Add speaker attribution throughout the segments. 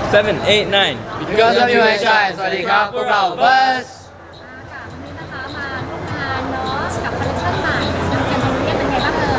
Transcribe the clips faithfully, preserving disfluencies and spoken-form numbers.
Speaker 1: seven eight nine
Speaker 2: Because of you I shine สวัสดีครับพวกเราเบิร์ส
Speaker 3: ค่ะวันนี้นะคะมาร่วมงานเนาะกับคอลเลคชั่นใหม่ทางเจนนี่เป็นไงบ้างเอ่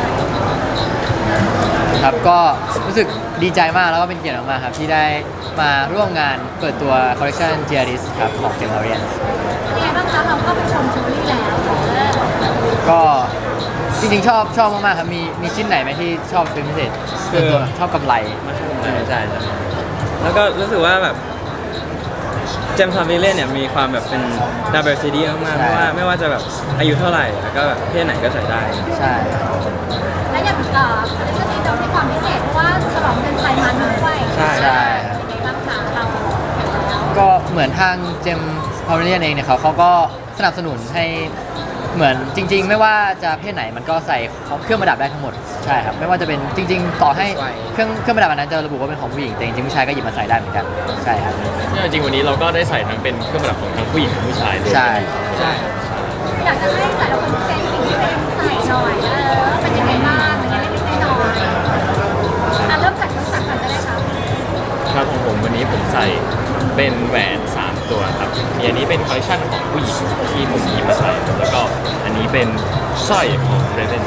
Speaker 3: ย
Speaker 2: ครับก็รู้สึกดีใจมากแล้วก็เป็นเกียรติมากๆครับที่ได้มาร่วมงานเปิดตัวคอลเลคชัน จี อาร์ เอส ครับของ เจมส์ Orient
Speaker 3: เป็นไงบ้างคะเราก็ไปชมจูรี่แล้วเออ
Speaker 2: ก็จริงๆชอบชอบมากๆครับมีมีชิ้นไหนไหมที่ชอบเป็นพิเศษส่วนตัวชอบกำไร
Speaker 1: มาชมใช่ใช่แล้วก็รู้สึกว่าแบบเจมส์ทอมวิลเลียนเนี่ยมีความแบบเป็น diversity มากๆเพราะว่าไม่ว่าจะแบบอายุเท่าไหร่แล้วก็แบบเพศไหนก็ใส่ได้
Speaker 2: ใช่
Speaker 3: และอย่างเอ่อคอลเลคชันนี้เรามีความพิเศษเพราะว่าฉลองเดือนไทยมาด้วย
Speaker 1: ใช่
Speaker 2: ใช่ครับ
Speaker 3: เป็นไงบ้างคะเราเห็นแล้ว
Speaker 2: ก็เหมือนทางเจมส์พาวเวอร์เลียนเองเนี่ยเขาเขาก็สนับสนุนให้เหมือนจริง ๆ ไม่ว่าจะเพศไหนมันก็ใส่เครื่องประดับได้ทั้งหมดใช่ครับไม่ว่าจะเป็นจริง ๆ ต่อให้เครื่องเครื่องประดับอันนั้นจะระบุว่าเป็นของผู้หญิงแต่จริงๆผู้ชายก็หยิบมาใส่ได้เหมือนกันใช่ครับ
Speaker 4: เนี่ยจริงวันนี้เราก็ได้ใส่ทั้งเป็นเครื่องประดับของทั้งผู้หญิงทั้งผู้ชายเลย
Speaker 2: ใช่
Speaker 4: ใช่
Speaker 3: อยากจะให้แต่ละคนเซนสิ่งที่เป็นใส่หน่อยเออเป็นยังไงบ้างเป็นยังไงเล็กๆน้อยๆอ่ะเริ่มจากน้องสักก่อนก็ได้ค่ะ
Speaker 4: ครับของผมวันนี้ผมใส่เป็นแหวนสามตัวครับมีอันนี้เป็นคอลเลคชันของผู้หญิงที่ผมหยิบมาใส่แล้วก็อันนี้เป็นสร้อยของเรเวน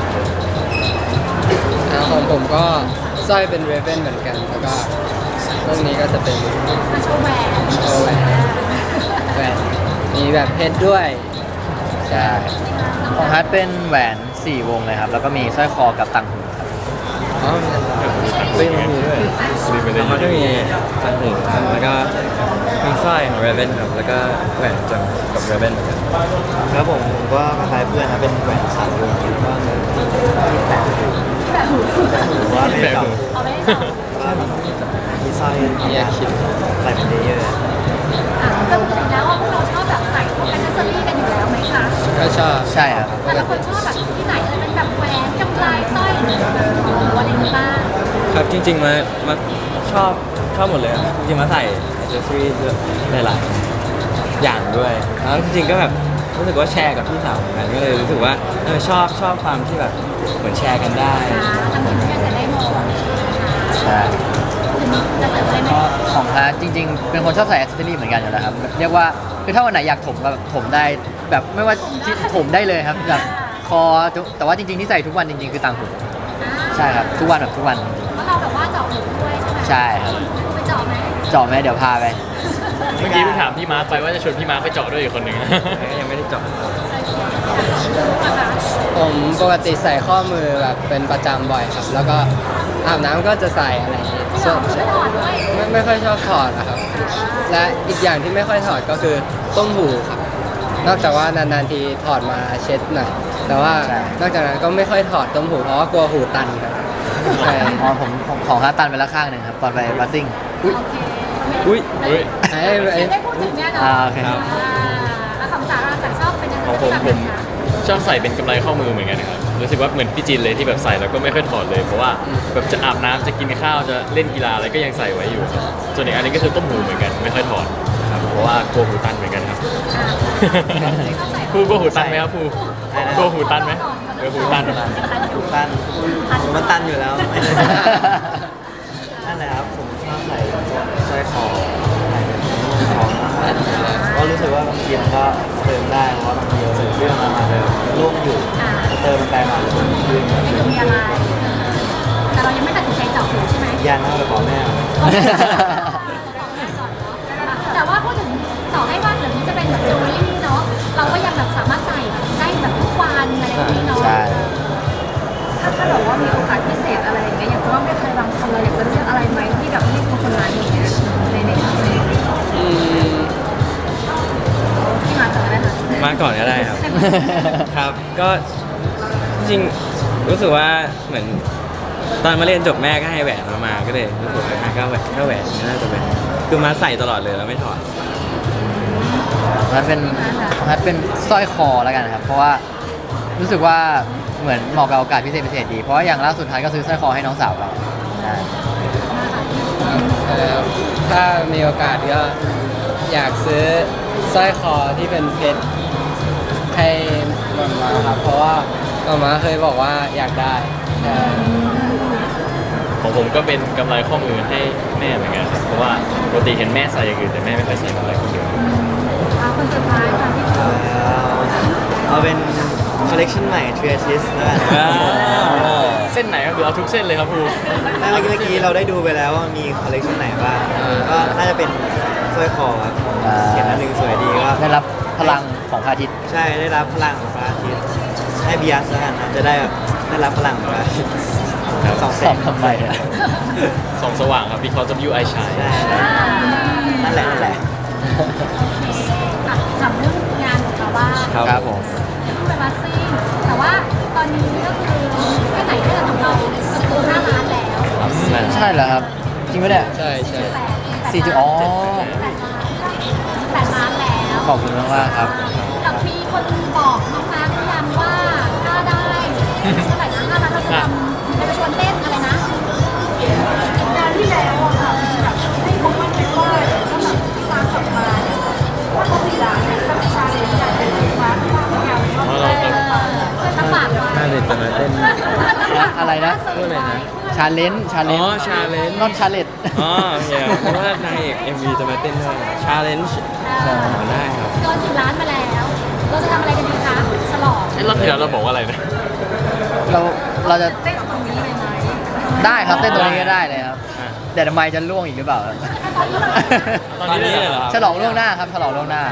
Speaker 5: อ่าของผมก็สร้อยเป็นเรเวนเหมือนกัน แล้วก็พวกนี้ก็จะเป็น
Speaker 3: มาโชว์แหวน
Speaker 5: โชว์แหวนแหวนมีแบบเพชรด้วย
Speaker 2: ใช่ของฮัทเป็นแหวนสี่วงเลยครับแล้วก็มีสร้อยคอกับต่างหูครับ
Speaker 5: อ๋อ
Speaker 1: เฮ้ยมันมีด้วย
Speaker 4: มีไปเลย
Speaker 1: มันก็มีต่างหูครับแล้วก็มีสร้อยของ Raven ครับแล้วก็แหวนจำกับ Raven เหมือนกัน
Speaker 6: ครับผมผมก็คล้ายๆเพื่อนนะเป็นแหวนสามวงแล้วก็เงินที่แปดหู
Speaker 3: แบบหู
Speaker 6: หรือว่าไม่ได้จับ
Speaker 3: เอาไม่ได้จับ
Speaker 6: ใช่มีสร้อยมีอาคิดใส่เป็นเลเยอร์
Speaker 3: อ่ะก็ปกติแล้วว่าพวกเราชอบแบบใส่พวกแอคเซสซอรี่กันอยู่แล้วไหมคะ
Speaker 5: ก็ชอบ
Speaker 2: ใช่ครับ
Speaker 3: แต่ละคนชอบแบบที่ไหนเออเป็นแบบแหวนกำไลสร้อยหรือแบบอะไรอย่างนี้บ้าง
Speaker 1: ครับจริงๆมามาชอบชอบหมดเลยครับจริงๆมาใส่อ c เซสซอรี่หลายๆอย่างด้วยแล้วจริงๆก็แบบรู้สึกว่าแชร์กับพี่สาวเหมือนกันก็เลยรู้สึกว่าเออชอบชอบความที่แบบเหมือนแชร์กันได้
Speaker 3: อ่าทำกิจกรรมจะได้หมด
Speaker 2: ใช่
Speaker 3: จะเสริมอะไรไหม
Speaker 2: ก็ของฮัทจริง ๆ เป็นคนชอบใส่แอคเซสซอรี่เหมือนกันอยู่แล้วครับเรียกว่าคือถ้าวันไหนอยากถมก็แบบถมได้แบบไม่ว่าที่ถมได้เลยครับแบบคอแต่ว่าจริงๆที่ใส่ทุกวันจริงๆคือต่างหูใช่ครับทุกวันแบบทุกวัน
Speaker 3: เพราะเราแบบว่าเจาะหูด้วยใช่ไหม
Speaker 2: ใช่ครับ
Speaker 3: ไปเจาะไหม
Speaker 2: เจาะไหมเดี๋ยวพาไป
Speaker 4: เมื่อกี้เพิ่งถามพี่มาร์คไปว่าจะชวนพี่มาร์คไปเจาะด้วยอีกคนหนึ่ง
Speaker 1: ก็ยังไม่ได้เจาะ
Speaker 5: ผมปกติใส่ข้อมือแบบเป็นประจำบ่อยครับ แล้วก็อาบน้ำก็จะใส่อะไรอย่างงี้
Speaker 3: เจ
Speaker 5: ส่ว
Speaker 3: าะ
Speaker 5: น
Speaker 3: หูไม่ถอดด้วย
Speaker 5: ไม่ไม่ค่อยชอบถอดนะครับ และอีกอย่างที่ไม่ค่อยถอดก็คือต้มหูครับ นอกจากว่านานๆทีถอดมาเช็ดหน่อยแต่ว่า
Speaker 2: ใช่
Speaker 5: นอกจากนั้นก็ไม่ค่อยถอดต้มหูเพราะว่ากลัวหูตันครับใช่
Speaker 2: อ๋อผมผมของฮัทตันไปแล้วข้างหนึ่งครับตอนไปบัสซิ่งอุ๊ย
Speaker 3: โอเค
Speaker 1: อุ้ย
Speaker 4: อุ้ย
Speaker 5: ไอ้
Speaker 3: ไม่
Speaker 5: ไอ้
Speaker 3: ได้พูดถึงเนี่ยเนาะ
Speaker 2: อ่าโอเค
Speaker 3: อ่าแล้วคำสาราจากชอบเป็นยังไง
Speaker 4: ของผม
Speaker 3: แบบ
Speaker 4: ผ
Speaker 3: ไหน
Speaker 4: ม
Speaker 3: คะ
Speaker 4: ชอบใส่เป็นกำไรข้อมือเหมือนกันนะครับรู้สึกว่าเหมือนพี่จินเลยที่แบบใส่แล้วก็ไม่ค่อยถอดเลย เพราะว่าแบบจะอาบน้ำจะกินข้าวจะเล่นกีฬาอะไรก็ยังใส่ไว้อยู่ครับส่วนอีกอันนี้ก็คือต้มหูเหมือนกันไม่ค่อยถอดครับเพราะว่ากลัวหูตันเหมือนกันครับ ภูกลัวหูตันไหมครับภูกลัวหูตันไหมเออหูตัน
Speaker 6: ตันผมมันตันอยู่แล้วไม่ได้นั่นแหละครับผมชอบใส่สร้อยคอใส่เป็นของก็รู้สึกว่าบางทีมันก็เติมได้เพราะว่าบางทีเราใส่เสื้อมามาเลยร่วงอยู่เติมมันไปมาเลยมันขึ้น
Speaker 3: ไม่ดูมีอะไรแต่เรายังไม่ตัดสินใจเจาะหูใช่ไหม
Speaker 6: ยันหน้าไปขอแม่
Speaker 3: แต่ว่าพูดถึงต่อให้ว่าเดี๋ยวนี้จะเป็นแบบจิวเวลรี่เนาะเราก็ยังแบบสามารถใส่ได้แบบทุกวันอะไรอย่างนี้เนาะ
Speaker 2: ใช่
Speaker 3: ถ้าถ้าแบบว่ามีโอกาสพิเศษอะไรอย่างเงี้ยอยากจะว่าเป็นใครบางคนเราอยากจะเลือกอะไรไหมที่แบบให้คนคนนั้นอย่างเงี้ยในในครั้งนี้
Speaker 5: อืม
Speaker 3: ที่มาต่อได้ค่ะ
Speaker 1: มาก่อนก็ได้ครับ ครับ ก็จริงรู้สึกว่าเหมือนตอนมาเรียนจบแม่ก็ให้แหวนมามาก็เลยรู้สึกว่าอ่ะก็แหวนก็แหวนนี่น่าจะเป็นคือมาใส่ตลอดเลยแล้วไม่ถอด
Speaker 2: ของฮัทเป็นของฮัทเป็นสร้อยคอแล้วกันครับเพราะว่ารู้สึกว่าเหมือนเหมาะกับโอกาสพิเศษพิเศษดีเพราะว่าอย่างล่าสุดฮัทก็ซื้อสร้อยคอให้น้องสาวเราใช่
Speaker 5: เอ่อถ้ามีโอกาสก็อยากซื้อสร้อยคอที่เป็นเพชรให้หมามาครับ เพราะว่าหมามาเคยบอกว่าอยากได้ใช่
Speaker 4: ของผมก็เป็นกำไรข้อมือให้แม่เหมือนกันครับเพราะว่าปกติเห็นแม่ใส่อย่างอื่นแต่แม่ไม่เคยใส่กำไรข้อมือ
Speaker 3: เอาคนสุดท้ายค่ะพี่ปู
Speaker 6: เอาเป็นคอลเลกชันใหม่ทรีอาทิสแล้วกัน
Speaker 1: อ้าว
Speaker 4: เส้นไหนครับหรือเอาทุกเส้นเลยครับครู
Speaker 6: เมื่อกี้เมื่อกี้เราได้ดูไปแล้วว่ามีคอลเลกชันไหนบ้างก็น่าจะเป็นสร้อยคอครับ
Speaker 2: อ่า
Speaker 6: เห็นอันหนึ่งสวยดีก็
Speaker 2: ได้รับพลังของพระอาทิตย์
Speaker 6: ใช่ได้รับพลังของพระอาทิตย์ให้บียสแล้วกันนะจะได้แบบได้รับพลังของพระอาทิตย์สองแส
Speaker 2: สอง
Speaker 6: ง
Speaker 2: ทำไมอะ
Speaker 4: ส่องสว่างครับ because of you I shine
Speaker 6: ใช่นั่นแหละนั่นแหละ
Speaker 3: อ่ะถามเรื่องงานของเขาว่า
Speaker 1: ครับ
Speaker 2: ครับผม
Speaker 3: ต้องไปมาซิ่งแต่ว่าตอนนี้ก็คือแค่ไหนเรื่องของเราประตูห้าล้านแล้ว
Speaker 2: ใช่เหรอครับจริงไหมเนี่ย
Speaker 5: ใช่ใช่
Speaker 3: แปด
Speaker 2: สี่จุดอ๋อ
Speaker 3: แปดล้านแปดล้านแล้ว
Speaker 2: ขอบคุณมากๆครับ
Speaker 3: กับมีคนบอกน้องมาร์คหรือยังว่าถ้าได้เท่าไหร่นะห้าล้านเราจะทำเราจะชวนเต้นอะไรนะงานที่แล้วอะค่ะแบบให้เขามั่นใจว่าถ้าแบบตามกลับมาเนี่ยว่าเขาสี่ล้านเนี่ยจะมีชาเลนจ์การเป็นมาร์คว่าเขาอยากชอบเต้นช่วยตั้งปากไว้
Speaker 1: น่าเด็ดจะมาเต้น
Speaker 2: อะไรนะ
Speaker 1: พูดอะไรนะ
Speaker 2: ชาเลนจ์ชาเลน
Speaker 1: อ๋
Speaker 2: จ์
Speaker 1: อ challenge
Speaker 2: นอนชาเลนจ์
Speaker 1: อ๋อโอเคเพราะว่านางเอก เอ็ม วี จะมาเต้นด้วย challenge อ๋อได้ครับ
Speaker 3: เกินสิบล้านมาแล้ว เราจะทำอะไรกันดีคะ ฉลอง
Speaker 4: ไอ้รอบที่แล้วเราบอกว่าอะไรนะ
Speaker 2: เราเราจะ
Speaker 3: เต้นตรงนี้เลยไหม
Speaker 2: ได้ครับเต้นตัวนี้ก็ได้เลยครับแต่ทำไมจะล่วงอีกหรือเปล่า
Speaker 3: ตอนนี้เลย
Speaker 1: ตอนนี้เลยเหรอ
Speaker 2: ฉลองล่วงหน้าครับฉลองล่วงหน้า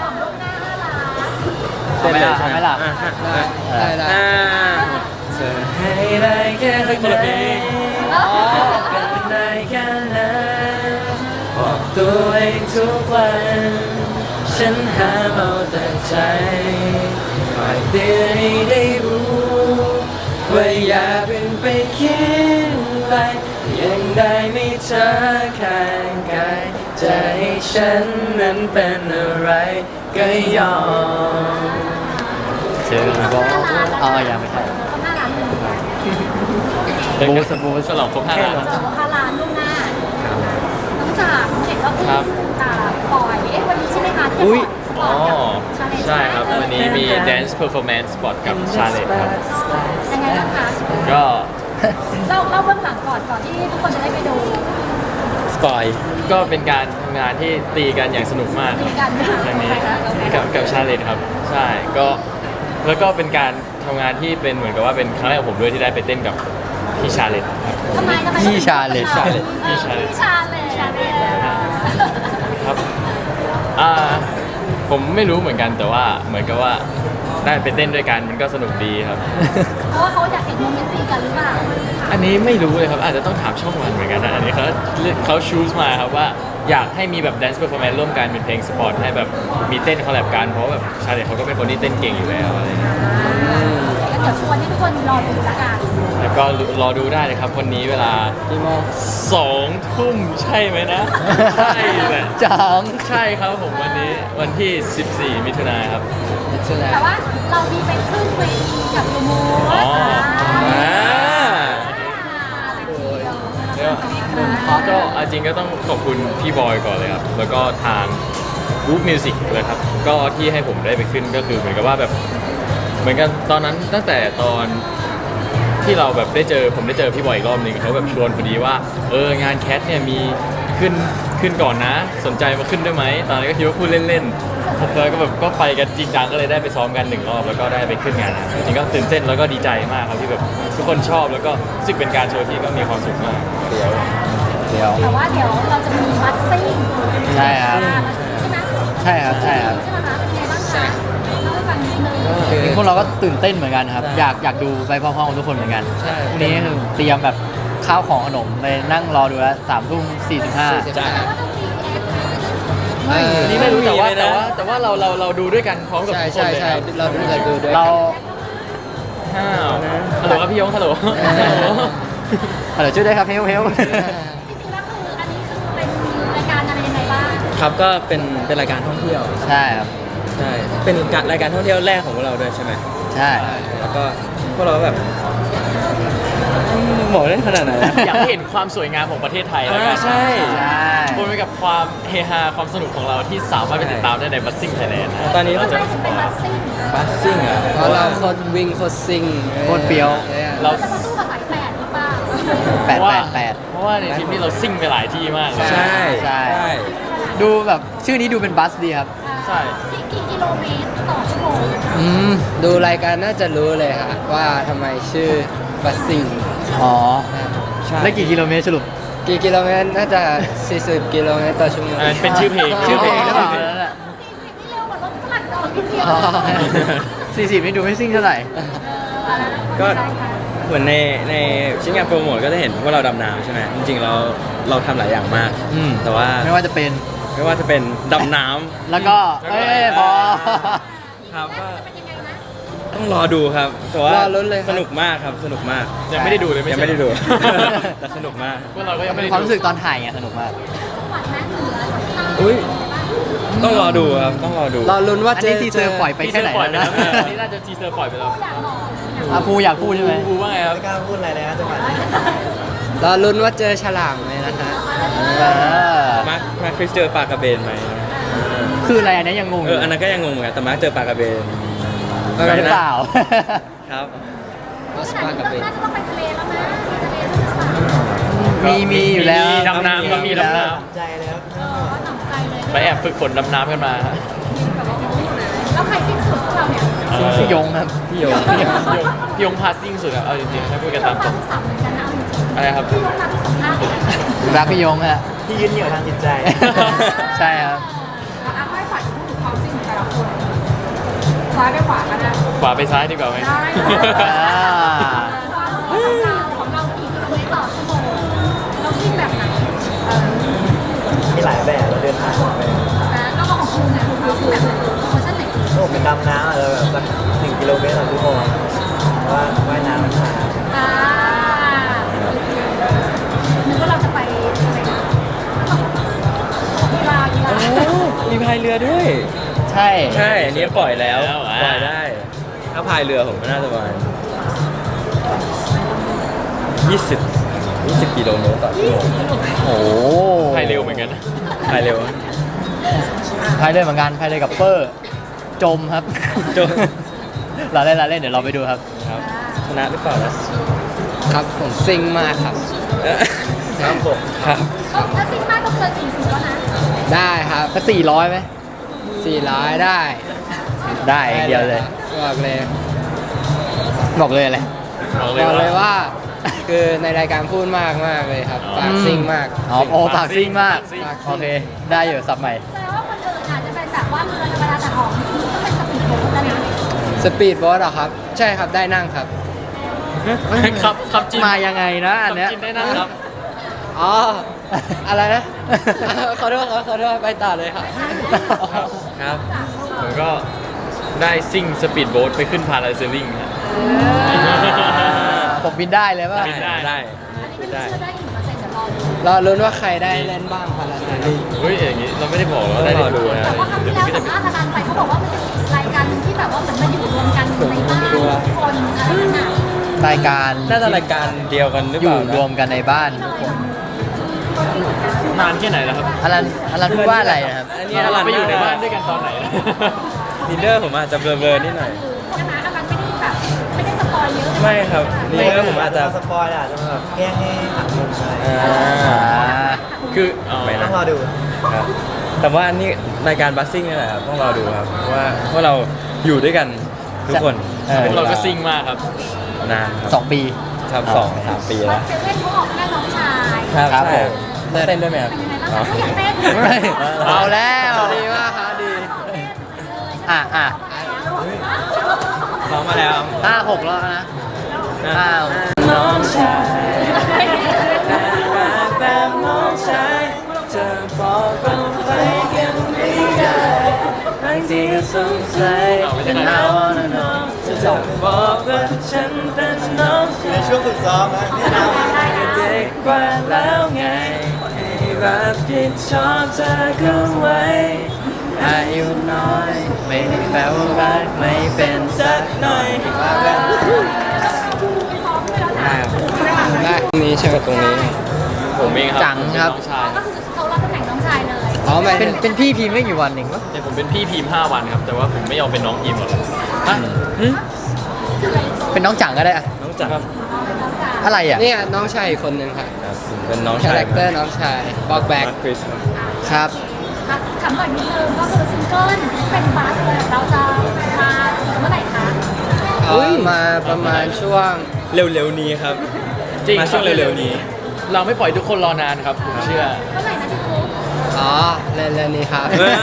Speaker 3: ของลูกหน้าห้าล้าน
Speaker 2: เอาไหมล่ะ
Speaker 1: อ่
Speaker 2: เอาไหมล่ะ
Speaker 5: ได้ได้ได้
Speaker 1: อ่าเธอให้ได้แค่คนละเพลง เป็นได้แค่นั้นบอกตัวเองทุกวัน ฉันหาเอาแต่ใจคอยเตือนให้ได้รู้ ว่าอย่าเพิ่งไปคิดไปยังได้ไม่เธอข้างกายจะให้ฉันนั้นเป็นอะไรก็ยอม
Speaker 2: เชิญบอกอ๋อยังไม่ใช่
Speaker 3: ต้องห้าล้านเลย
Speaker 4: เป็นการบูสฉลองครบห้าล้าน
Speaker 3: สองห้าล้านล่วงหน้าน้องจากเห็นว่าเพิ่ง
Speaker 4: ครับ
Speaker 3: อ่าปล่อยเอ๊ะวันนี้ใช่ไหมคะที่
Speaker 1: อุ๊ย
Speaker 3: ปล่
Speaker 4: อ๋อ
Speaker 3: กับ Challenge
Speaker 4: ใช่ครับ วันนี้มี dance performance spot กับ challenge ครับ
Speaker 3: ยังไงบ้างคะ
Speaker 4: ก็
Speaker 3: เล่าเล่าเบื้องหลังก่อนก่อนที่ทุกคนจะได้ไปดู
Speaker 1: สปอย
Speaker 4: ก็เป็นการทำงานที่ตีกันอย่างสนุกมากค
Speaker 3: มี
Speaker 4: รับ
Speaker 3: กัน
Speaker 4: ครั้งนี้
Speaker 3: ใครคะเราไหม
Speaker 4: กับกับชาเลนครับ ใช่ก็แล้วก็เป็นการทำงานที่เป็นเหมือนกับว่าเป็นครั้งแรกของผมด้วยที่ได้ไปเต้นกับพี่ชาเลนครับ
Speaker 3: ทำไมทำไม
Speaker 2: พี่ Challenge
Speaker 3: ชาเล
Speaker 4: Challenge
Speaker 3: พี่
Speaker 4: Challenge
Speaker 3: ชาเลชาเล
Speaker 4: ครับอ่าผมไม่รู้เหมือนกันแต่ว่าเหมือนกับว่าได้ไปเต้นด้วยกันมันก็สนุกดีครับ
Speaker 3: เพราะว่าเขาอยากเห็นโมเมนต์ตีกันหรือเปล่า
Speaker 4: อันนี้ไม่รู้เลยครับอาจจะต้องถามช่องวันเหมือนกันนะอันนี้เขาเขาชูสมาครับว่าอยากให้มีแบบ dance performance ร่วมกันเป็นเพลงสปอร์ตให้แบบมีเต้นคอลแลบกันเพราะว่าแบบชาเลนเขาก็เป็นคนที่เต้นเก่งอยู่แล้วอะไรอย่างเงี้ย
Speaker 3: แล้วเดี๋ยวชวนให้ทุกคนรอดูละกัน
Speaker 4: แล้วก็รอดูได้เลยครับวันนี้เวลา
Speaker 2: กี่โมง
Speaker 4: สองทุ่มใช่ไหมนะ ใช่แหละ
Speaker 2: จัง
Speaker 4: ใช่ครับผมวันนี้วันที่สิบสี่มิถุนายนครับ
Speaker 3: แต่ว่าเรามีไปขึ้นเวทีกับโยโม
Speaker 4: อ๋อ
Speaker 1: อ่า
Speaker 4: ก็เอาจริงก็ต้องขอบคุณพี่บอยก่อนเลยครับ แล้วก็ทาง Group Music เลยครับ ก็ที่ให้ผมได้ไปขึ้นก็คือเหมือนกับว่าแบบ เหมือนกันตอนนั้นตั้งแต่ตอนที่เราแบบได้เจอผมได้เจอพี่บอยอีกรอบหนึงเขาแบบชวนพอดีว่าเอองานแคทเนี่ยมีขึ้นขึ้นก่อนนะ สนใจมาขึ้นด้วยไหมตอนนั้นก็คิดว่าพูดเล่นๆแล้วก็แบบก็ไปกันจริงจังก็เลยได้ไปซ้อมกันหนึ่งรอบแล้วก็ได้ไปขึ้นงานนะจริงๆก็ตื่นเต้นแล้วก็ดีใจมากครับที่แบบทุกคนชอบแล้วก็รู้สึกเป็นการโชว์ที่ก็มีความสุขมาก
Speaker 2: เดี๋ยวเดี๋ยว
Speaker 3: แต่ว่าเดี๋ยวเราจะมีมัดซิ่ง
Speaker 2: ใช่ครับ
Speaker 3: ใช่ไหม
Speaker 2: ใช่ครับใช่ครับ
Speaker 3: ใช่ไหมคะเป็นไงบ้างคะเล่าให้ฟังนิดนึง
Speaker 2: จริงๆพวกเราก็ตื่นเต้นเหมือนกันครับ อยากอยากดูไปพร้อมๆกับทุกคนเหมือนกัน
Speaker 5: ใช่
Speaker 2: พรุ่งนี้คือเตรียมแบบข้าวของขนมไปนั่งรอดูแล้วสามทุ่มสี่สิบห้า
Speaker 3: แต่ว่าต้องมีเอฟ
Speaker 5: ไม่
Speaker 4: อันนี้ไม่รู้แต่ว่าแต่ว่าแต่ว่าเราเราเราดูด้วยกันพร้อมกับ
Speaker 5: ใช่
Speaker 4: ทุกคน
Speaker 5: ใช่
Speaker 4: เลย
Speaker 5: ใช่
Speaker 4: ครับ
Speaker 5: เราดูเลยดูด้วย
Speaker 2: เรา
Speaker 4: ห้าวฮัลโหลครับพี่ยงฮัลโหลฮัลโหล
Speaker 2: เดี๋ยวช่วยด้วยครับเฮลเฮล
Speaker 3: จริงๆแล้วคืออันนี้คือเป็นรายการอะไรยังไงบ้าง
Speaker 1: ครับก็เป็นเป็นรายการท่องเที่ยว
Speaker 2: ใช่ครับ
Speaker 1: ใช่เป็นการรายการท่องเที่ยวแรกของพวกเราด้วยใช่ไหม
Speaker 2: ใช่
Speaker 1: แล้วก็พวกเราก็แบบบอกได้ขนาดไหนนะ
Speaker 4: อยากให้เห็นความสวยงามของประเทศไทยแล้วกั
Speaker 1: อ่าน ใช่
Speaker 2: ใช่
Speaker 4: บนไปกับความเฮฮาความสนุกของเราที่สามารถไปติดตามได้ในบัสซิ่งไทยแลนด์
Speaker 1: ตอนนี้
Speaker 3: ทำ
Speaker 1: ก็
Speaker 3: ไม
Speaker 1: จะ
Speaker 3: ถึงเป็นมัดซิ่ง
Speaker 1: บัสซิ่งอ่ะ
Speaker 5: เพราะเราโคตรวิ่งโคตรซิ่ง
Speaker 2: โคตรเฟี้ยว
Speaker 5: นี่ย
Speaker 4: เรา
Speaker 3: เราจะมาสู้กับสายแปดหรือเปล่า
Speaker 2: แปด
Speaker 4: เพราะ
Speaker 2: แป
Speaker 4: ว่า
Speaker 2: ดแปด
Speaker 4: เพราะว่าในทริปนี้เราซิ่งไปหลายที่มากเลย
Speaker 1: ใช่
Speaker 2: ใช่
Speaker 1: ใช่
Speaker 2: ดูแบบชื่อนี้ดูเป็นบัสดีครับ
Speaker 4: ใช่
Speaker 3: กี่กี่กิโลเมตรต่อชั่วโมง
Speaker 2: อืม
Speaker 5: ดูรายการน่าจะรู้เลยฮะว่าทำไมชื่อบัสซิ่ง
Speaker 2: อ๋อ
Speaker 1: ใช่
Speaker 2: ได้กี่กิโลเมตรสรุป
Speaker 5: กี่กิโลเมตรน่าจะสี่สิบกิโลเมตรต่อชั่วโมง
Speaker 4: อันนั้นเป็นชื่อเพลง
Speaker 2: ชื่อเพลงหรือเปล่า
Speaker 4: ชื่
Speaker 2: นั่นแหละ
Speaker 3: ที่เร็วกว่ารถฝรั่งดอกนิดเดียว
Speaker 2: สี่สิบนี่ดูไม่ซิ่งเท่าไหร่
Speaker 1: ก็เหมือนในในชิ้นงานโปรโมทก็จะเห็นพวกเราดำน้ำใช่ไหมจริงๆเราเราทำหลายอย่างมาก
Speaker 2: อืม
Speaker 1: แต่ว่า
Speaker 2: ไม่ว่าจะเป็น
Speaker 1: ไม่ว่าจะเป็นดำน้ำ
Speaker 2: แล้วก็ เอ้ยพอ
Speaker 1: ครับก็
Speaker 3: เป็นยังไงนะ
Speaker 1: ต้องรอดูครับแต่ว่าร
Speaker 5: อลุ้นเลยครับ
Speaker 1: สนุกมากครับสนุกมาก
Speaker 4: ยังไม่ได้ดูเลย
Speaker 1: ยัง
Speaker 4: ใช่
Speaker 1: ไม่ได้ดู แต่สนุกมาก
Speaker 4: พวกเราก็ยังไม่
Speaker 2: เป็น
Speaker 4: ได้
Speaker 2: ความรู้สึกตอนถ่ายไงสนุกมาก
Speaker 3: จังหวัดนั้นเหนือใต้
Speaker 1: อุ้ยต้องรอดูครับต้องรอดู
Speaker 5: รอลุ้นว่า
Speaker 2: อัน
Speaker 5: เจ
Speaker 2: นี้
Speaker 5: อ
Speaker 2: ทีเซอร์ปล่อยไป
Speaker 4: ทีเซ
Speaker 2: แค่
Speaker 4: อ
Speaker 2: ไหน
Speaker 4: ร์ปล่อยไป
Speaker 2: แล้ว
Speaker 4: แล้ว
Speaker 2: นะ
Speaker 4: อันนี้น่าจะทีเซอร์ปล่อยไปแล้ว
Speaker 3: อยากบอก
Speaker 2: อาภูอยากพูดใช่ไหม
Speaker 4: บูว่าไงครับ
Speaker 6: ไม่กล้าพูดอะไรเลยนะจังหวะนี้
Speaker 5: รอลุ้นว่าเจอฉลามไหมนะฮะ
Speaker 2: เออ
Speaker 1: มาร์คมาร์คคริสเจอปลากระเบนไหม
Speaker 2: คืออะไรอันนี้ยังงงอ
Speaker 1: เอยู่ ออันนั้นก็ยังงงเหมือนกันแต่มาร์คเจอปลากระเบน
Speaker 2: หรือเปล่า
Speaker 1: ครับ
Speaker 5: ออส
Speaker 3: ขนา
Speaker 5: ปา
Speaker 3: ด
Speaker 5: กับเบ
Speaker 3: นี้
Speaker 5: น
Speaker 3: น่าจะต้องไปทะเลแล้วนะทะเลหรือเปล่า
Speaker 2: มีมีอยู่แล้ว
Speaker 4: มีดำน้ำก็มีดำน้
Speaker 6: ใจเลยครับ
Speaker 3: เออหนำใจเลย
Speaker 4: ำไปแอบฝึกฝนดำน้ำกันมา
Speaker 3: แล้วใครสิ้นสุดพวกเราเนี่ย
Speaker 4: เออ
Speaker 2: พี่ยงครับ
Speaker 1: พี่โย
Speaker 4: พี่ยงพี่ยงพาซิ่งสุดอะเอาจริงๆถ้าพูดกันตามตรง
Speaker 3: สับเหมือนกันนะเอาจริง
Speaker 4: อะไรครับ
Speaker 3: ๆพี่ลงมาที่สัมภาษณ์เลยนะ
Speaker 2: รักพี่ยงฮะ
Speaker 6: ที่ยืนเหนี่ยวทางจิตใจ
Speaker 2: ใช่ครับ
Speaker 3: อ่ะให้ฝ่ายพูดถึงความสิ้นของแต่ละคนซ้ายไปขวากันนะ
Speaker 4: ขวาไปซ้ายดีกว่าไหม
Speaker 3: ได้
Speaker 2: อ่า
Speaker 3: ความสิ้นของเราของเรากี่กิโลเมตรต่อชั่วโมงเราสิ้นแบบไหนเออ
Speaker 6: มีหลายแบบเราเดินทางไป
Speaker 3: นะก็มาของคุณนะคุณสิ้นแบบไหนเวอร์ชันไหน
Speaker 6: โอ้เป็นดำน้ำอะเราแบบสักหนึ่งกิโลเมตรต่อชั่วโมงเพราะว่าว่ายน้ำมันช้า
Speaker 3: อ่านึกว่าเราจะไปอะไรนะกีฬากีฬา
Speaker 1: มีพายเรือด้วย
Speaker 2: ใช่
Speaker 1: ใช่ อันนี้ปล่อยแล้ว ปล่อยได้ ถ้าพายเรือผมก็น่าจะประมาณยี่สิบ ยี่สิบกิโลเมตรต่อชั่วโมง
Speaker 2: โอ้
Speaker 4: พายเร็วเหมือนกันนะ
Speaker 1: พายเร็ว
Speaker 2: พายเรือเหมือนกันพายเรือกับเปอร์ จมครับ
Speaker 1: จม
Speaker 2: เราเล่นเราเล่นเดี๋ยวเราไปดูครับ
Speaker 1: ครับชนะหรือเปล่านะครับ
Speaker 5: ผมซิ่งมากครับ
Speaker 6: ครับผม
Speaker 1: ครับ
Speaker 3: ถ้าสิ้นมากก็เกินสี่สิบแล้วนะ
Speaker 5: ได้ครับ
Speaker 2: สักสี่ร้อยไหม
Speaker 5: สี่ร้อยได้
Speaker 2: ได้อย่างเดียวเลย
Speaker 5: บอกเลย
Speaker 2: บอกเลยอะไร
Speaker 4: บอกเล
Speaker 5: บ
Speaker 4: ย
Speaker 5: อกเลย
Speaker 4: ว่า
Speaker 5: ว่า คือในรายการพูดมากมากเลยครับปากซิ่งมาก
Speaker 2: อ๋อโอ้ปากซิ่งมาก
Speaker 4: ปากซิ่ง
Speaker 2: โอเค ได้อยู่สับใหม่
Speaker 3: แสดงว่าคนอื่นอาจจะเป็นแบบว่าเรือธรรมดาแต่ของจริงๆต้องเป็นสปีดโบ๊ทแล้วนะ
Speaker 5: สปีดโบ๊ทเหรอครับ ใช่ครับได้นั่งครับ
Speaker 4: ครับครับจิน
Speaker 2: มายังไงนะอันเนี้ย
Speaker 4: จินได้นะครับ
Speaker 5: อ๋อ อะไรนะ ขอโทษครับขอโทษไปต่อเลยครับ
Speaker 1: ครับ
Speaker 4: ผมก็ได้ซิ่งสปีดโบ๊ทไปขึ้นพาราเซลลิงฮะ
Speaker 2: ผมบินได้เลยป่ะ
Speaker 4: บินได้
Speaker 1: ได้
Speaker 3: อันนี้ไม่รู้เชื่อได้กี่เปอร์เซ็นต์เดี๋ยวรอดู
Speaker 5: รอลุ้นว่าใครได้เล่นบ้างพาราเซลลิง
Speaker 4: เฮ้ยอย่างนี้เราไม่ได้บอกว่า
Speaker 1: ต้
Speaker 4: ได้
Speaker 1: องรอดูนะ
Speaker 3: แต่ว่าครั้งที่แล้วสัมภาษณ์อาจารย์ไปเขาบอกว่ามันจะมีรายการหนึ่งที่แบบว่าเหมือนมาอยู่รวมกันในบ้านทุกคนอะไรนั่นน่ะ
Speaker 2: รายการ
Speaker 1: น่าจะรายการเดียวกันหรือ
Speaker 2: อ
Speaker 1: เป
Speaker 2: ยู่
Speaker 1: ล่านะ
Speaker 2: รวมกันในบ้านทุกคน
Speaker 4: นานแค่ไหนแล้วครับ
Speaker 2: อลันอลันพูดว่าอะไรนะครับ
Speaker 1: อันนี้
Speaker 4: เรา
Speaker 1: อลัน
Speaker 4: ไปอยู่ในบ้านด้วยกันตอนไหน
Speaker 1: ลีดเดอร์ผมอาจจะเบลอๆนิดหน่อย
Speaker 3: ใช่ไหมอาจารย์ไม่ได้แบบไม่ได้สปอยเยอะ
Speaker 1: ไม่ครับลีดเดอร์ผมอาจจะ
Speaker 6: สปอยล์อาจจะแบบแกล้งให้หักมุมอะไร
Speaker 1: อ่า
Speaker 2: อ่า
Speaker 4: คืออ๋อ
Speaker 1: ไม่
Speaker 6: ต้
Speaker 1: นะ
Speaker 6: องรอดู
Speaker 1: ครับแต่ว่าอันนี้รายการบัสซิ่งนี่แหละครับต้องรอดูครับว่าเพราะเราอยู่ด้วยกันทุกคน
Speaker 2: เออ
Speaker 4: พวกเราก็ซิ่งมากครับ
Speaker 1: นานครับ
Speaker 2: สองปี
Speaker 1: ครับสองสามปี
Speaker 3: วั
Speaker 1: แล้
Speaker 3: ด
Speaker 1: ว
Speaker 3: เซเว่นเขาออกแค่น้องชาย
Speaker 1: ครับ
Speaker 2: ครับ
Speaker 1: ใช่
Speaker 2: ผม
Speaker 1: เต้นด้วยไหมครับ
Speaker 3: เป็นยังไงบ้างคะถ้าอยากเต้น
Speaker 2: เฮ้ยเอาแล้ว
Speaker 5: ดีมากครับดี
Speaker 2: อ่ะอ่ะ
Speaker 1: ร้องมาแล้ว
Speaker 2: ห้าหกแล้วนะห้า
Speaker 1: น้องชายแบบน้องชายจะบอกกันไปกันไม่ได้บางทีก็สงสัย
Speaker 4: เอาไม่ใช่
Speaker 1: เป็น
Speaker 4: ใคร
Speaker 1: เรานะน้องจะบอกว่าฉันเป็นน้องชาย
Speaker 6: ในช่วงฝึกซ้อมนะนี่นะ
Speaker 1: เด็กกว่าแล้วไงให้รับผิดชอบเธอก็ไว้อายุน้อย ไม่ได้แปลว่ารักไม่เป็นสักหน่อยว่ากันได้ครับ
Speaker 5: ได้ตรงนี้ใช่ไหมตรงนี้
Speaker 4: ผมเองครับ
Speaker 2: จังครับ
Speaker 4: ผมเป็นน้องชาย
Speaker 3: ก็คือเขารับตำแหน่งน้องชายเลย
Speaker 5: อ๋อหมาย
Speaker 2: เป็
Speaker 5: ถึ
Speaker 2: น
Speaker 5: ง
Speaker 2: เป็นพี่พิมพ์ไม่กี่วันเองปะ
Speaker 4: แต่ผมเป็นพี่พิมพ์ห้าวันครับ แต่ว่าผมไม่ยอมเป็นน้องพิมพ์หรอกฮะ
Speaker 2: เป็นน้องจังก็ได้อะ
Speaker 1: น้องจักร
Speaker 2: ออะไรอ่ะ
Speaker 5: เนี่ยน้องชายอีกคนนึงค่ะ
Speaker 1: ครับผมเป็นน้อง
Speaker 5: คา
Speaker 1: ชาย
Speaker 5: แรคเตอร์น้องชายบอกแบก
Speaker 1: คริสครับ
Speaker 2: ครับ
Speaker 3: คำก่อนนิดนึงก็คือซิงเกิลที่เป็นบัสเนี่ยเราจะมาเมื่อไหร่คะ
Speaker 5: เอามาประมาณช่วง
Speaker 1: เร็วๆนี้ครับ
Speaker 4: จริง
Speaker 1: มาช่วงเร็วๆนี้
Speaker 4: เราไม่ปล่อยทุกคนรอนานครับผมเชื่อ
Speaker 3: เมื่อไหร่นะที่คุก
Speaker 5: อ๋อเร็วๆนี้ครับ
Speaker 1: เออ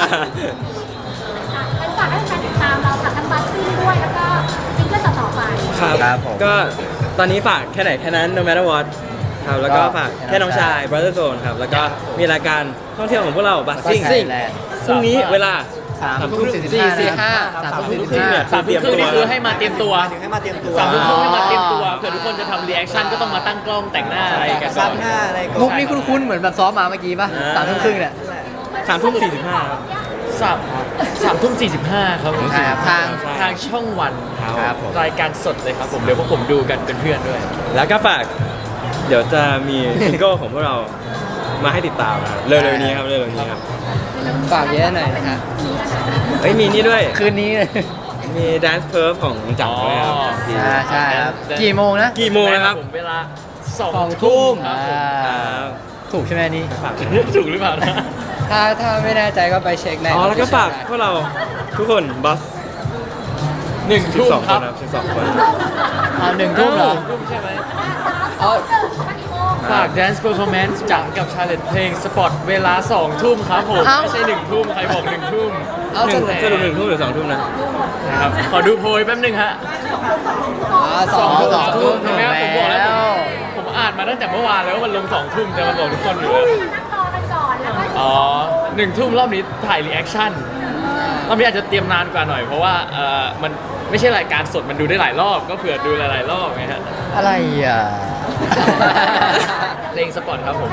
Speaker 3: เป็นฝากให้แฟนติดตามเราค่ะทั้งบัสซี่ด้วยแล้วก็ซิงเกิลต่อๆไป
Speaker 1: ครับ
Speaker 2: ครับผม
Speaker 1: ก็ตอนนี้ฝากแค่ไหนแค่นั้น no matter what ครับแล้วก็
Speaker 2: ก็
Speaker 1: ฝากแค่น้องชาย brother zone ครับ แล้วก็มีรายการท่องเที่ยวของพวกเราบัสซิ่ง
Speaker 2: Buzzing
Speaker 1: พรุ่งนี้เวลา
Speaker 2: สาม
Speaker 1: สาม
Speaker 2: ทุ่
Speaker 1: ทุ่
Speaker 2: ม
Speaker 1: ม
Speaker 2: สี่
Speaker 1: สี่
Speaker 2: สิ
Speaker 1: สิ
Speaker 2: บบ ห้า
Speaker 1: ห้า
Speaker 2: สามทุ่ม
Speaker 1: ทุ่
Speaker 2: สี่
Speaker 1: ม
Speaker 2: สิบ
Speaker 1: ครึ่ง
Speaker 2: ห้า
Speaker 1: เนี่ย
Speaker 4: สามทุ่มครึ่งนี่คือให้มาเตรียมตัว
Speaker 6: ถึงให้มาเตรียมตัว
Speaker 4: สามทุ่มครึ่งให้มาเตรียมตัวเผื่อทุกคนจะทำรีแอคชั่นก็ต้องมาตั้งกล้องแต่งหน้าอะไรกัน
Speaker 6: ซั
Speaker 4: ก่อบ น
Speaker 6: หน้าอะไรก่อน
Speaker 2: มุกนี่คุ้นๆเหมือนแบบซ้อมมาเมื่อกี้ป่ะ
Speaker 1: อ่า
Speaker 2: สามทุ่มครึ่งเนี่ย
Speaker 1: สามทุ่มสี่สิบห้าครับ
Speaker 4: สามสามทุ่มสี่สิบห้าครับผม
Speaker 2: ใช่ครับทาง
Speaker 4: ทางช่องวัน
Speaker 2: ครับผม
Speaker 4: รายการสดเลยครับผมเดี๋ยวพวกผมดูกันเป็นเพื่อนด้วย
Speaker 1: แล้วก็ฝาก เดี๋ยวจะมีซิงเกิลของพวกเรามาให้ติดตามนะครับเร็วๆนี้ครับเร็วๆนี้ครับ
Speaker 5: ฝากเยอะหน่อยนะคะ
Speaker 1: เอ้ยมีนี่ด้วย
Speaker 2: คืนนี้เลย
Speaker 1: มี Dance Perf ของจักรด้วยครับ
Speaker 4: อ๋อ
Speaker 1: ที่
Speaker 2: ใช่ใช่ครับ กี่โมงนะ
Speaker 1: กี่โมงนะครับ
Speaker 4: ผมเวลาสอง
Speaker 2: สองทุ่
Speaker 4: ทุ่
Speaker 2: ม
Speaker 4: มครับผม
Speaker 2: อ่า
Speaker 1: ครับ
Speaker 2: ถูกใช่ไหมนี่
Speaker 1: ฝาก
Speaker 4: ถูกหรือเปล่านะ
Speaker 5: ถ้าถ้าไม่แน่ใจก็ไปเช็คใน
Speaker 1: อ๋อแล้วก็ฝากพวกเราทุกคนบัส
Speaker 4: หนึ่ง
Speaker 1: สิบ
Speaker 4: ทุ่ม
Speaker 1: สอง
Speaker 4: ค
Speaker 1: ค
Speaker 4: รั
Speaker 1: น
Speaker 4: บ
Speaker 1: ครับสิบสองคน
Speaker 2: เอาหนึ่งทุ่มเหรอ
Speaker 4: ทุ่มใช่ไหม
Speaker 5: อ๋อ
Speaker 4: ฝาก Dance Performance จังกับ Challenge เพลงสปอตเวลาสองทุ่มครับผม
Speaker 2: เอ้า
Speaker 4: ไม่ใช่หนึ่งทุ่มใครบอกหนึ่งทุ่ม
Speaker 5: เอา
Speaker 1: ห
Speaker 5: ส
Speaker 1: นึ่ง
Speaker 5: รุป
Speaker 1: สรุปหนึ่งทุ่มหรือสองทุ่มนะ
Speaker 4: นะครับขอดูโพยแป๊บนึงฮะ
Speaker 5: อ๋อสอง
Speaker 2: สองทุ่ม
Speaker 4: เห็นไหมผมบอกแล้ว
Speaker 2: แล้ว
Speaker 4: ผมอ่านมาตั้งแต่เมื่อวานแล้วว่ามันลงสองทุ่มแต่มันบอกทุกคนอยู่แล้ว
Speaker 3: นั่งรอกันก่อนแล้วก็
Speaker 4: อ๋อหนึ่งทุ่มรอบนี้ถ่ายรีแอคชั่นรอบนี้อาจจะเตรียมนานกว่าหน่อยเพราะว่าเอ่อมันไม่ใช่รายการสดมันดูได้หลายรอบ ก็เผื่อดูหลายๆรอบไงฮะ
Speaker 2: อะไรอ่ะ
Speaker 4: เพลงสปอตครับผม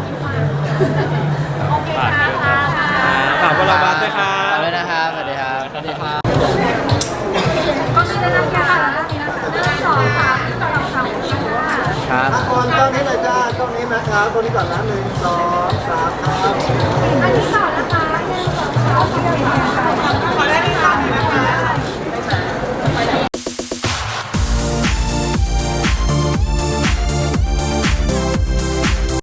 Speaker 3: โอเคค่ะค่ะ
Speaker 1: อ่าฝากพวกเราบัสด้วยครั
Speaker 2: ขอบ
Speaker 1: บ
Speaker 2: คุณนะครับ สวัสดีครับ สวัสดีครับ
Speaker 3: ก็มีได้รับค่ะหนึ่งสองสามสองสามสี่ห้า
Speaker 2: ครับ
Speaker 6: ออนกล้องนี้เลยจ้ากล้องนี้นะครับกล้องนี้ก่อนนะหนึ่งสองสามครับ
Speaker 3: อันที่สอง